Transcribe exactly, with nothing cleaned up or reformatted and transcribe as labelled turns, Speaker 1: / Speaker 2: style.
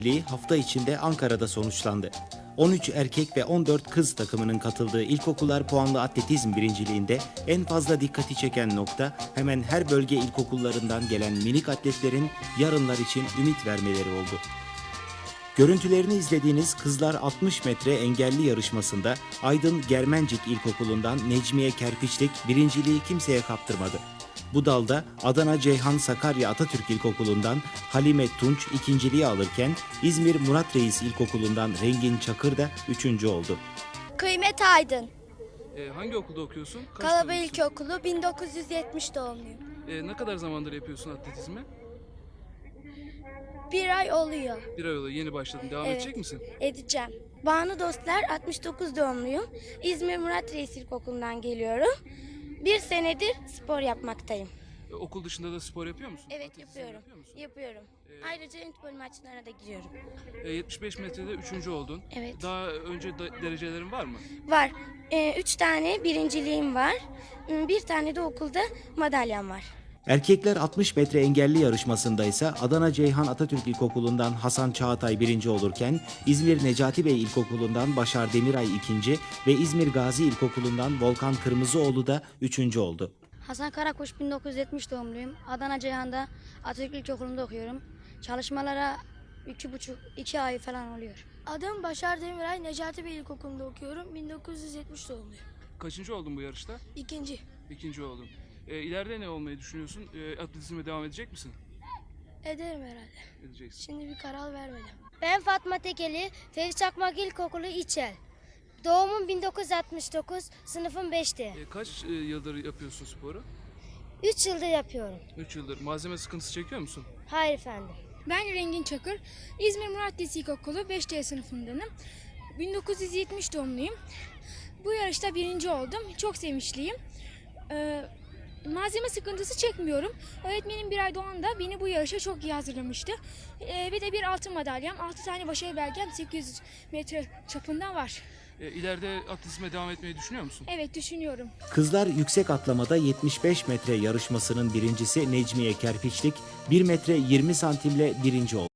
Speaker 1: hafta içinde Ankara'da sonuçlandı. on üç erkek ve on dört kız takımının katıldığı ilkokullar puanlı atletizm birinciliğinde en fazla dikkati çeken nokta hemen her bölge ilkokullarından gelen minik atletlerin yarınlar için ümit vermeleri oldu. Görüntülerini izlediğiniz kızlar altmış metre engelli yarışmasında Aydın Germencik İlkokulu'ndan Necmiye Kerpiçlik birinciliği kimseye kaptırmadı. Bu dalda Adana Ceyhan Sakarya Atatürk İlkokulu'ndan Halime Tunç ikinciliği alırken İzmir Murat Reis İlkokulu'ndan Rengin Çakır da üçüncü oldu.
Speaker 2: Kıymet Aydın.
Speaker 3: Ee, hangi okulda okuyorsun? Kaç
Speaker 2: Kalaba
Speaker 3: tanıyorsun?
Speaker 2: İlkokulu bin dokuz yüz yetmiş doğumluyum.
Speaker 3: Ee, ne kadar zamandır yapıyorsun atletizmi?
Speaker 2: Bir ay oluyor.
Speaker 3: Bir ay oldu, yeni başladın. Devam
Speaker 2: Evet.
Speaker 3: edecek misin?
Speaker 2: Edeceğim. Banu Dostlar altmış dokuz doğumluyum. İzmir Murat Reis İlkokulu'ndan geliyorum. Bir senedir spor yapmaktayım.
Speaker 3: Ee, okul dışında da spor yapıyor musun?
Speaker 2: Evet
Speaker 3: Atletizm
Speaker 2: yapıyorum.
Speaker 3: yapıyor musun?
Speaker 2: Yapıyorum. Ayrıca handball maçlarına da gidiyorum.
Speaker 3: Ee, yetmiş beş metrede üçüncü oldun.
Speaker 2: Evet.
Speaker 3: Daha önce da- derecelerin var mı?
Speaker 2: Var. Ee, üç tane birinciliğim var. Hmm, Bir tane de okulda madalyam var.
Speaker 1: Erkekler altmış metre engelli yarışmasında ise Adana Ceyhan Atatürk İlkokulu'ndan Hasan Çağatay birinci olurken İzmir Necati Bey İlkokulu'ndan Başar Demiray ikinci ve İzmir Gazi İlkokulu'ndan Volkan Kırmızıoğlu da üçüncü oldu.
Speaker 4: Hasan Karakuş bin dokuz yüz yetmiş doğumluyum. Adana Ceyhan'da Atatürk İlkokulu'nda okuyorum. Çalışmalara iki buçuk, iki ay falan oluyor.
Speaker 5: Adım Başar Demiray, Necati Bey İlkokulu'nda okuyorum. bin dokuz yüz yetmiş doğumluyum.
Speaker 3: Kaçıncı oldun bu yarışta?
Speaker 5: İkinci.
Speaker 3: İkinci oldun. Ee, ileride ne olmayı düşünüyorsun? Ee, atletizme devam edecek misin?
Speaker 5: Ederim herhalde.
Speaker 3: Edeceksin.
Speaker 5: Şimdi bir karar vermedim.
Speaker 6: Ben Fatma Tekeli, Ferit Çakmak İlkokulu İçel. Doğumum bin dokuz yüz altmış dokuz, sınıfım beşte.
Speaker 3: Ee, kaç e, yıldır yapıyorsun sporu?
Speaker 6: üç yıldır yapıyorum.
Speaker 3: üç yıldır. Malzeme sıkıntısı çekiyor musun?
Speaker 6: Hayır efendim.
Speaker 5: Ben Rengin Çakır, İzmir Murat Reis İlkokulu beş D sınıfındanım. bin dokuz yüz yetmiş doğumluyum. Bu yarışta birinci oldum. Çok sevinçliyim. Ee, malzeme sıkıntısı çekmiyorum. Öğretmenim bir ay doğanda beni bu yarışa çok iyi hazırlamıştı. Ee, ve de bir altın madalyam, altı tane başarı belgem sekiz yüz metre çapında var.
Speaker 3: Ee, ileride atletizme devam etmeyi düşünüyor musun?
Speaker 5: Evet, düşünüyorum.
Speaker 1: Kızlar yüksek atlamada yetmiş beş metre yarışmasının birincisi Necmiye Kerpiçlik bir metre yirmi santimle birinci oldu.